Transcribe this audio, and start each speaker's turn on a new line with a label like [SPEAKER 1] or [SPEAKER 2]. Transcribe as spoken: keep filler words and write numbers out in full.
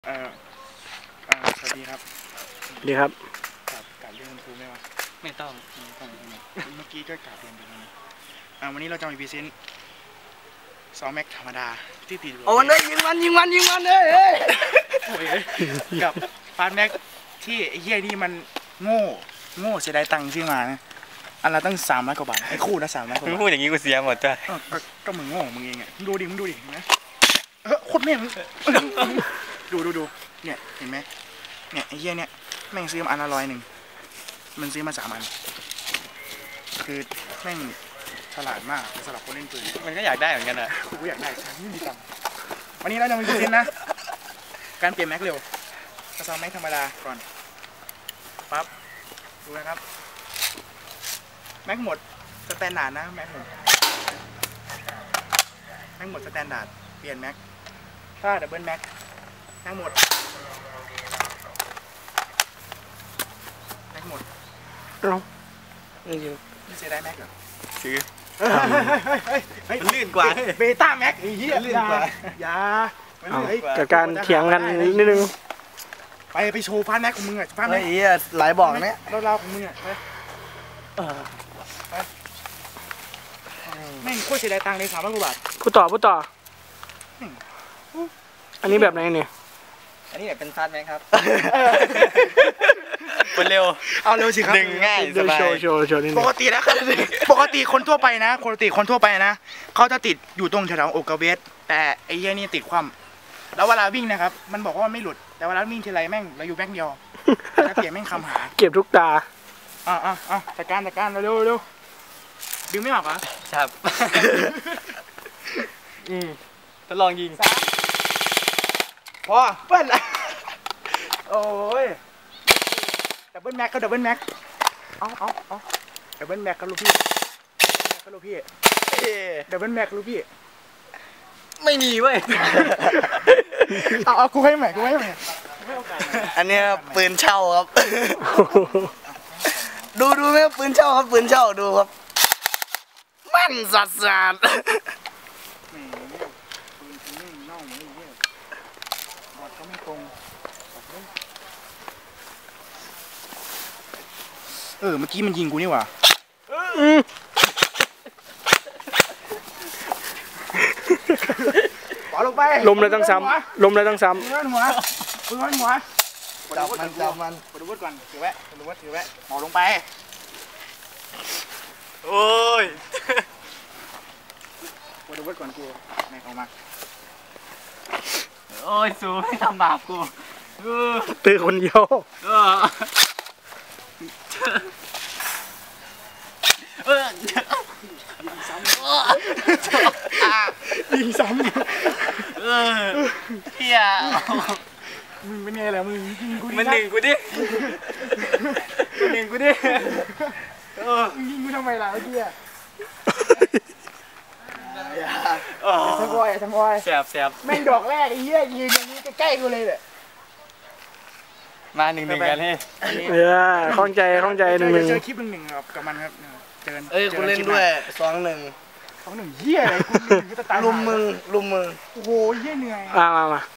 [SPEAKER 1] เอ่อเอ่อสวัสดีครับ
[SPEAKER 2] ดีครับ
[SPEAKER 1] กราบกราบเรียนคุณครูไหมวะ
[SPEAKER 3] ไม่ต้อง
[SPEAKER 1] ไม่ต้องเมื่อกี้ก็กราบเรียนไปแล้วนะอ่าวันนี้เราจะมาพรีเซนต์ซอแม็กธรรมดาที่ติดอยู่
[SPEAKER 2] โอ้ยยิงมันยิงมันยิงมันเลยเฮ้ย
[SPEAKER 1] โอ้ยกับฟาสแม็กที่ไอ้เหี้ยนี่มันโง่โง่เสียดายตังค์ซื้อมานะอันละตั้งสามร้อยกว่าบาทไอ้คู่ละสามร้อยกว่า
[SPEAKER 3] มึง
[SPEAKER 1] บาท
[SPEAKER 3] พูดอย่างนี้กูเสียหมดจ้ะ
[SPEAKER 1] เออก็ก็มึงโง่มึงเองอ่ะมึงดูดิมึงดูดิเห็นไหมเออโคตรแม่งดูดูดูเนี่ยเห็นไหมเนี่ยไอ้เหี้ยเนี่ยแม่งซื้อมาอันละร้อยหนึ่งมันซื้อมาสามอันคือแม่งฉลาดมากสำหรับคนเล่นปืน
[SPEAKER 3] มันก็อยากได้เหมือนกันอะ
[SPEAKER 1] กูอยากได้ฉันไม่มีตังค์วันนี้เราจะมาดูเซนนะการเปลี่ยนแม็กเร็วกระซองแม็กธรรมดาก่อนปั๊บดูนะครับแม็กหมดสแตนดาร์ดนะแม็กหมดแม็กหมดสแตนดาร์ดเปลี่ยนแม็กถ้าดับเบิลแม็กแม็กหมดแม็กหมด
[SPEAKER 2] เอ้า
[SPEAKER 1] นี่เสียได้แม็กเหรอ
[SPEAKER 3] ซื้อ
[SPEAKER 1] มันลื่นกว่าเบต้าแม็กไอ้เหี้ยลื่นกว่าอย่า
[SPEAKER 2] กับการเถียงกันนิดนึง
[SPEAKER 1] ไปไปโชว์ฟาสแม็กของมึงอ่ะฟาส
[SPEAKER 2] ไอ้
[SPEAKER 1] แม็ก
[SPEAKER 2] เหี้ยหลายบอกเนี่ย
[SPEAKER 1] เล่าๆของมึงอ่ะไปแม่งโคตรเสียดายตังค์เลยสามร้อยกว่าบาท
[SPEAKER 2] พูดต่อพูดต่ออันนี้แบบไหนเนี่ย
[SPEAKER 3] อันนี้เป็นฟาสแม็กครับคนเร็ว
[SPEAKER 1] เอาเร็วสิครับ
[SPEAKER 3] ดึงง่ายส
[SPEAKER 2] เดี๋ยว
[SPEAKER 3] บาย
[SPEAKER 2] โชว์โชว์โชว์นิดนึ
[SPEAKER 1] ป
[SPEAKER 2] ง
[SPEAKER 1] กตินะครับปกติคนทั่วไปนะปกติคนทั่วไปนะเขาจะติดอยู่ตรงแถวๆอกกระเวทแต่ไอ้เหี้ยนี่ติดคว่ำแล้วเวลาวิ่งนะครับมันบอกว่ามันไม่หลุดแต่เวลาวิ่งทีไรแม่งเราอยู่แบ็คเดียวถ้าเปลี่ยนแม่งคำหา
[SPEAKER 2] เก็บทุกตา
[SPEAKER 1] อ่ะอ่ะอ่ะจัดการจัดการเร็วเร็วดึงไม่ออกเหรอ
[SPEAKER 3] ครับอืมทดลองยิง
[SPEAKER 1] พอเปิ้ลละโอ้ยดับเบิลแม็กก็ดับเบิลแม็กเอาเอาเอาดับเบิลแม็กก็ลูกพี่ก็ลูกพี่ดับเบิลแม็กลูกพี่
[SPEAKER 3] ไม่มีเว้ย
[SPEAKER 1] เอาเอากูให้ใหม่กูให้ใหม่
[SPEAKER 2] อันนี้ปืนเช่าครับ ดูดูไหมปืนเช่าครับปืนเช่าดูครับแม่นสัสสัส
[SPEAKER 1] แหมปืนกูแม่งเน่าเหมือนไอ้เหี้ยบอดก็ไม่ตรงเออเมื่อกี้มันยิงกูนี่หว่าปล่อยลงไป
[SPEAKER 2] ลมเลยต้องซ้ำลมเลยต้องซ้
[SPEAKER 1] ปืนหัวหัวปืนหัว
[SPEAKER 2] ำจับมันจับมัน
[SPEAKER 1] ปดูวุฒิก่อนถือไว้ปดูวุฒิถือไว้หมอลงไป
[SPEAKER 3] โอ้ย
[SPEAKER 1] ปดูวุฒิก่อนกูแม็กออกมา
[SPEAKER 3] โอ้ยสูไม่ทำบาปกูเออ
[SPEAKER 2] ตื่นคนเดียว
[SPEAKER 3] เออเออ
[SPEAKER 1] ยิงซ้ำ
[SPEAKER 3] เออเฮีย
[SPEAKER 1] มึงเป็นไงล่ะมึงยิงกูดิ
[SPEAKER 3] มันหนึ่งกูดิมันหนึ่งกูดิเออ
[SPEAKER 1] มึงยิงกูทำไมล่ะเมื่อกี้อะ
[SPEAKER 3] โอ้
[SPEAKER 1] ทั้งวอยทั้งวอย
[SPEAKER 3] แสบแสบ
[SPEAKER 1] แม่งดอกแรกไอ้เหี้ยยืนอย่างนี้ใกล้ๆกูเลยเนี่ย
[SPEAKER 3] มาหนึ่งหนึ่งกันให้
[SPEAKER 2] เออคล่องใจคล่องใจหนึ่งหนึ่ง
[SPEAKER 1] เจอคลิปหนึ่งหนึ่งกับกับมันครับเจอ
[SPEAKER 2] เอ้ยกูเล่นด้วยสองหนึ่ง
[SPEAKER 1] สองหนึ่งเหี้ยอะไรกูหนึ่งก็จะตาย
[SPEAKER 2] ลุมมึงลุมมึง
[SPEAKER 1] โอ้โหเหี้ยเหนื่อย
[SPEAKER 2] มามามา